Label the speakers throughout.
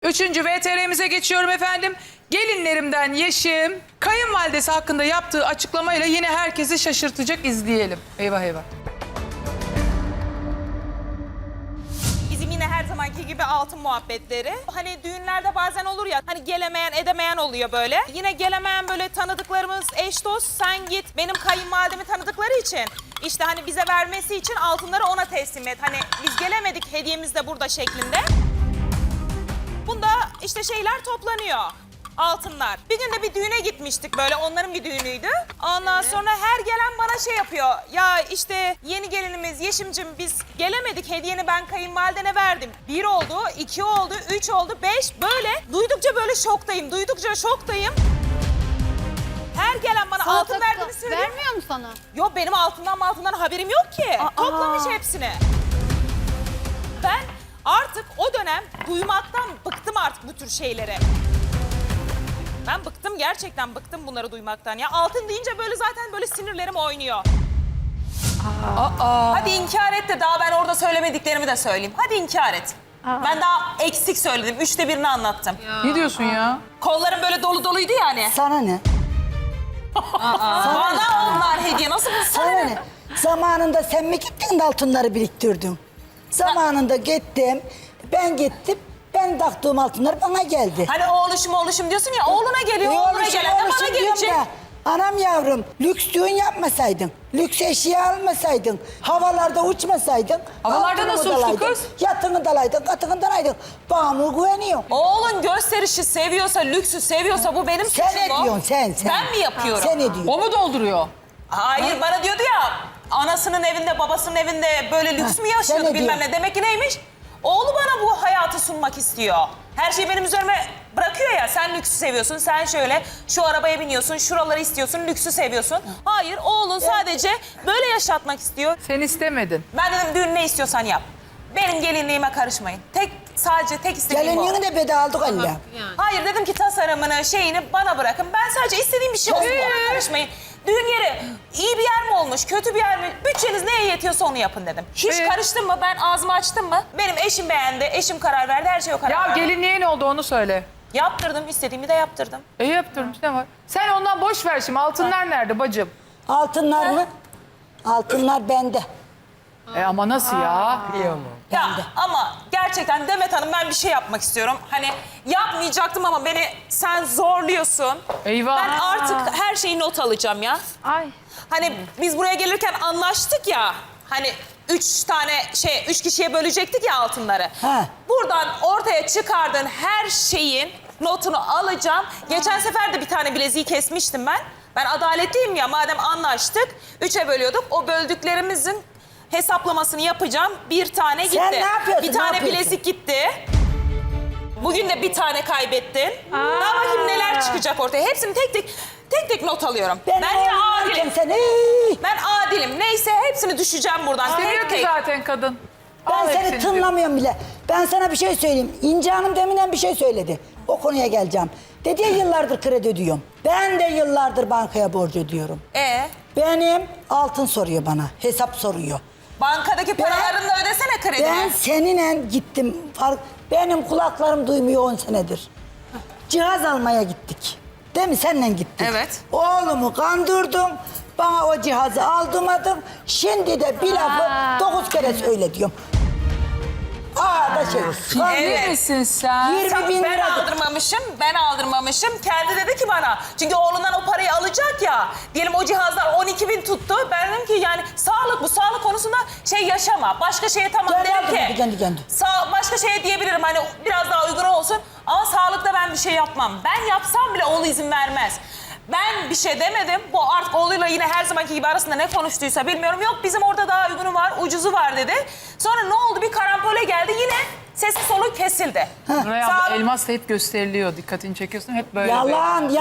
Speaker 1: Üçüncü VTR'mize geçiyorum efendim. Gelinlerimden Yeşim, kayınvalidesi hakkında yaptığı açıklamayla yine herkesi şaşırtacak, izleyelim. Eyvah eyvah.
Speaker 2: Bizim yine her zamanki gibi altın muhabbetleri. Hani düğünlerde bazen olur ya, hani gelemeyen edemeyen oluyor böyle. Yine gelemeyen böyle tanıdıklarımız, eş dost, sen git benim kayınvalidemi tanıdıkları için. İşte hani bize vermesi için altınları ona teslim et. Hani biz gelemedik, hediyemiz de burada şeklinde. Bunda işte şeyler toplanıyor. Altınlar. Bir gün de bir düğüne gitmiştik böyle, onların bir düğünüydü. Ondan sonra her gelen bana şey yapıyor. Ya işte yeni gelinimiz Yeşim'cim biz gelemedik, hediyeni ben kayınvalidene verdim. 1 oldu, 2 oldu, 3 oldu, 5 böyle. Duydukça böyle şoktayım, duydukça şoktayım. Her gelen bana altın verdiğini söylüyor.
Speaker 3: Vermiyor mu sana?
Speaker 2: Yok benim altından haberim yok ki. Toplamış hepsini. Ben artık o dönem duymaktan bıktım artık bu tür şeyleri. Ben bıktım, gerçekten bıktım bunları duymaktan. Ya altın deyince böyle zaten böyle sinirlerim oynuyor. Hadi inkar et de daha ben orada söylemediklerimi de söyleyeyim. Hadi inkar et. Ben daha eksik söyledim. 3'te 1'ini anlattım.
Speaker 1: Ne diyorsun ya?
Speaker 2: Kollarım böyle dolu doluydu yani.
Speaker 4: Sana ne?
Speaker 2: Bana onlar hediye. Nasıl bu
Speaker 4: Sana ne? Zamanında sen mi gittin de altınları biriktirdin? Zamanında gittim, ben gittim, ben taktığım altınlar bana geldi.
Speaker 2: Hani oğluşum diyorsun ya, oğluna geliyor, oğluna
Speaker 4: Oğluşum,
Speaker 2: gelen de bana
Speaker 4: oğluşum diyorum
Speaker 2: gelecek.
Speaker 4: da, anam yavrum, lüks düğün yapmasaydın, lüks eşya almasaydın, havalarda uçmasaydın...
Speaker 1: Havalarda
Speaker 4: altını
Speaker 1: nasıl uçtu
Speaker 4: dalaydın,
Speaker 1: kız?
Speaker 4: Yatını dalaydın, katını dalaydın. Bana mı güveniyor?
Speaker 2: Oğlun gösterişi seviyorsa, lüksü seviyorsa bu benim suçum.
Speaker 4: Sen ne
Speaker 2: o.
Speaker 4: diyorsun sen?
Speaker 2: Ben mi yapıyorum?
Speaker 4: Sen ne diyorsun?
Speaker 1: O mu dolduruyor?
Speaker 2: Hayır, bana diyordu ya, anasının evinde, babasının evinde böyle lüks mü
Speaker 4: sen
Speaker 2: yaşıyordu
Speaker 4: ne
Speaker 2: bilmem
Speaker 4: diyorsun?
Speaker 2: ne. Demek ki neymiş? Oğlu bana bu hayatı sunmak istiyor. Her şeyi benim üzerime bırakıyor ya, sen lüksü seviyorsun, sen şöyle şu arabaya biniyorsun, şuraları istiyorsun, lüksü seviyorsun. Hayır, oğlun sadece böyle yaşatmak istiyor.
Speaker 1: Sen istemedin.
Speaker 2: Ben dedim düğün ne istiyorsan yap. Benim gelinliğime karışmayın. Sadece tek istediğim o.
Speaker 4: Gelinliğini de bedava aldık Allah.
Speaker 2: Hayır dedim ki tasarımını, şeyini bana bırakın. Ben sadece istediğim bir şey olsun, ona karışmayın. Düğün yeri iyi bir yer mi olmuş, kötü bir yer mi? Bütçeniz neye yetiyorsa onu yapın dedim. Hiç karıştın mı? Ben ağzımı açtım mı? Benim eşim beğendi, eşim karar verdi, her şey o karar
Speaker 1: Ya
Speaker 2: verdi.
Speaker 1: gelinliğe ne oldu onu söyle.
Speaker 2: Yaptırdım, istediğimi de yaptırdım.
Speaker 1: Yaptırmış ne var? Sen ondan boş ver şimdi. Altınlar nerede bacım?
Speaker 4: Altınlar mı? Altınlar bende.
Speaker 1: Ama nasıl ya?
Speaker 2: Ya ama gerçekten Demet Hanım, ben bir şey yapmak istiyorum. Hani yapmayacaktım ama beni sen zorluyorsun.
Speaker 1: Eyvah.
Speaker 2: Ben artık her şeyi not alacağım ya.
Speaker 3: Ay.
Speaker 2: Hani biz buraya gelirken anlaştık ya. Hani 3 kişiye bölecektik ya altınları.
Speaker 4: He.
Speaker 2: Buradan ortaya çıkardığın her şeyin notunu alacağım. Geçen sefer de bir tane bileziği kesmiştim ben. Ben adaletliyim ya, madem anlaştık 3'e bölüyorduk. O böldüklerimizin hesaplamasını yapacağım. Bir tane gitti.
Speaker 4: Sen ne yapıyorsun,
Speaker 2: Bir
Speaker 4: ne
Speaker 2: tane
Speaker 4: yapıyorsun?
Speaker 2: bilezik gitti. Bugün de bir tane kaybettin. Daha bakayım neler çıkacak ortaya. Hepsini tek tek not alıyorum. Ben yine adilim.
Speaker 4: Sen,
Speaker 2: Ben adilim. Neyse hepsini düşeceğim buradan. Tek
Speaker 1: Seviyor ki
Speaker 2: tek.
Speaker 1: zaten kadın.
Speaker 4: ben
Speaker 1: Al
Speaker 4: seni
Speaker 1: hepsini diyor.
Speaker 4: tınlamıyorum bile. Ben sana bir şey söyleyeyim. İnce Hanım deminden bir şey söyledi. O konuya geleceğim. Dedi ya, yıllardır kredi ödüyorum. Ben de yıllardır bankaya borç ödüyorum. Benim altın soruyor bana. Hesap soruyor.
Speaker 2: Bankadaki paralarını da ödesene kredini.
Speaker 4: Ben seninle gittim. Benim kulaklarım duymuyor 10 senedir. Cihaz almaya gittik. Değil mi? Seninle gittik.
Speaker 2: Evet.
Speaker 4: Oğlumu kandırdım. Bana o cihazı aldırmadın. Şimdi de bir lafı 9 kere söyle diyorum. Da şey.
Speaker 1: Ciddi misin sen?
Speaker 4: 20 bin
Speaker 2: Ben
Speaker 4: lira.
Speaker 2: aldırmamışım. Kendi dedi ki bana, çünkü oğlundan o parayı alacak ya. Diyelim o cihazlar 12.000 tuttu. Ben dedim ki yani sağlık konusunda şey yaşama. Başka şeye tamam
Speaker 4: Kendi
Speaker 2: dedim
Speaker 4: aldırmadı,
Speaker 2: ki.
Speaker 4: kendi.
Speaker 2: Başka şeye diyebilirim, hani biraz daha uygun olsun. Ama sağlıkta ben bir şey yapmam. Ben yapsam bile oğlu izin vermez. Ben bir şey demedim. Bu artık oğluyla yine her zamanki gibi arasında ne konuştuysa bilmiyorum. Yok bizim orada daha uygunu var, ucuzu var dedi. Sonra ne oldu? Bir karambole geldi, yine sesi soluğu kesildi.
Speaker 1: Nuray
Speaker 2: Sağ-
Speaker 1: abla elmas da hep gösteriliyor. Dikkatini çekiyorsun hep böyle.
Speaker 4: Yalan.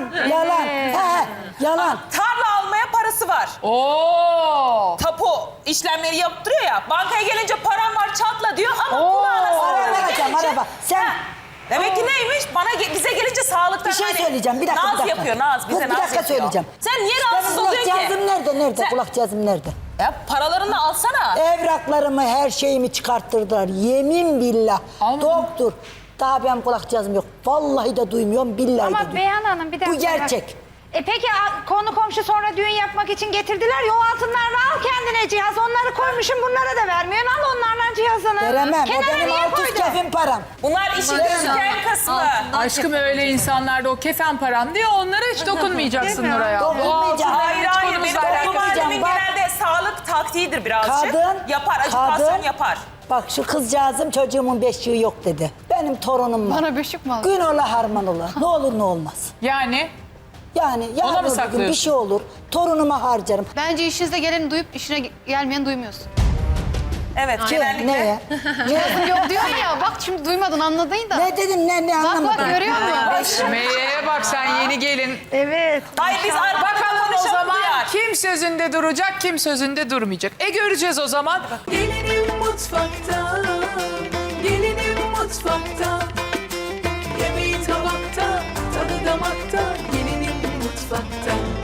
Speaker 4: Yalan.
Speaker 2: Tarla almaya parası var.
Speaker 1: Oo!
Speaker 2: Tapu işlemleri yaptırıyor ya. Bankaya gelince param var çatla diyor ama
Speaker 1: Oo.
Speaker 2: kulağına
Speaker 4: Araba
Speaker 2: sağlığa
Speaker 4: alacağım,
Speaker 2: gelince...
Speaker 4: araba. Sen...
Speaker 2: Ha, demek ki neymiş? Bize gelince sağlıktan
Speaker 4: Bir şey
Speaker 2: hani
Speaker 4: söyleyeceğim. Bir dakika.
Speaker 2: Naz yapıyor, naz. Bize
Speaker 4: Kız,
Speaker 2: naz
Speaker 4: bir dakika
Speaker 2: yapıyor.
Speaker 4: söyleyeceğim.
Speaker 2: Sen niye
Speaker 4: Benim
Speaker 2: rahatsız oluyorsun
Speaker 4: kulak
Speaker 2: ki?
Speaker 4: cihazım nerede? Nerede?
Speaker 2: Sen-
Speaker 4: Kulak cihazım nerede?
Speaker 2: Ya paralarını alsana.
Speaker 4: Evraklarımı, her şeyimi çıkarttırdılar. Yemin billah.
Speaker 1: Almadın.
Speaker 4: Doktor. Daha benim kulakcağızım yok. Vallahi de duymuyorum, billahi de
Speaker 3: Ama
Speaker 4: duymuyorum.
Speaker 3: Beyhan Hanım bir dakika.
Speaker 4: Bu gerçek.
Speaker 3: Peki konu komşu sonra düğün yapmak için getirdiler ya, o altınlarla al kendine cihaz. Onları koymuşum, bunlara da vermiyorsun. Al onlarla cihazını.
Speaker 4: Veremem. O
Speaker 3: Kenara
Speaker 4: benim
Speaker 3: niye
Speaker 4: alt üst
Speaker 3: koydun?
Speaker 4: kefim param.
Speaker 2: Bunlar işin gözüken kısmı.
Speaker 1: Aşkım öyle insanlarda o kefen param diye onlara hiç dokunmayacaksın
Speaker 3: Değil mi?
Speaker 1: Nuray'a. O
Speaker 4: Dokunmayacağım.
Speaker 1: altınların
Speaker 2: Hayır
Speaker 1: hiç
Speaker 2: hayır,
Speaker 1: konumuzla
Speaker 2: benim
Speaker 1: alakası
Speaker 2: toplum
Speaker 1: yok.
Speaker 2: annemin
Speaker 4: Bak.
Speaker 2: genelde sağlık taktiğidir birazcık. Yapar, ajitasyon yapar.
Speaker 4: Bak şu kızcağızım çocuğumun beşiği yok dedi. Benim torunum var.
Speaker 3: Bana beşik mi aldın?
Speaker 4: Gün ola harman ola. Ne olur ne olmaz.
Speaker 1: Yani
Speaker 4: Yani
Speaker 1: Ona mı
Speaker 4: yarın öbür gün bir
Speaker 1: saklıyorsun?
Speaker 4: şey olur. Torunuma harcarım.
Speaker 5: Bence işinizde geleni duyup işine gelmeyeni duymuyorsun.
Speaker 2: Evet,
Speaker 4: Ki,
Speaker 2: genellikle.
Speaker 4: neye? Ne?
Speaker 5: Yok diyorsun ya, bak şimdi duymadın, anladın da.
Speaker 4: Ne dedim ne
Speaker 5: Bak
Speaker 4: anlamadım.
Speaker 5: görüyor musun?
Speaker 1: Meye'ye bak sen yeni gelin.
Speaker 3: Evet.
Speaker 2: Hayır biz arada
Speaker 1: Bakalım o
Speaker 2: konuşalım
Speaker 1: zaman
Speaker 2: duyar.
Speaker 1: kim sözünde duracak, kim sözünde durmayacak. Göreceğiz o zaman.
Speaker 6: Gelinim mutfakta, gelinim mutfakta.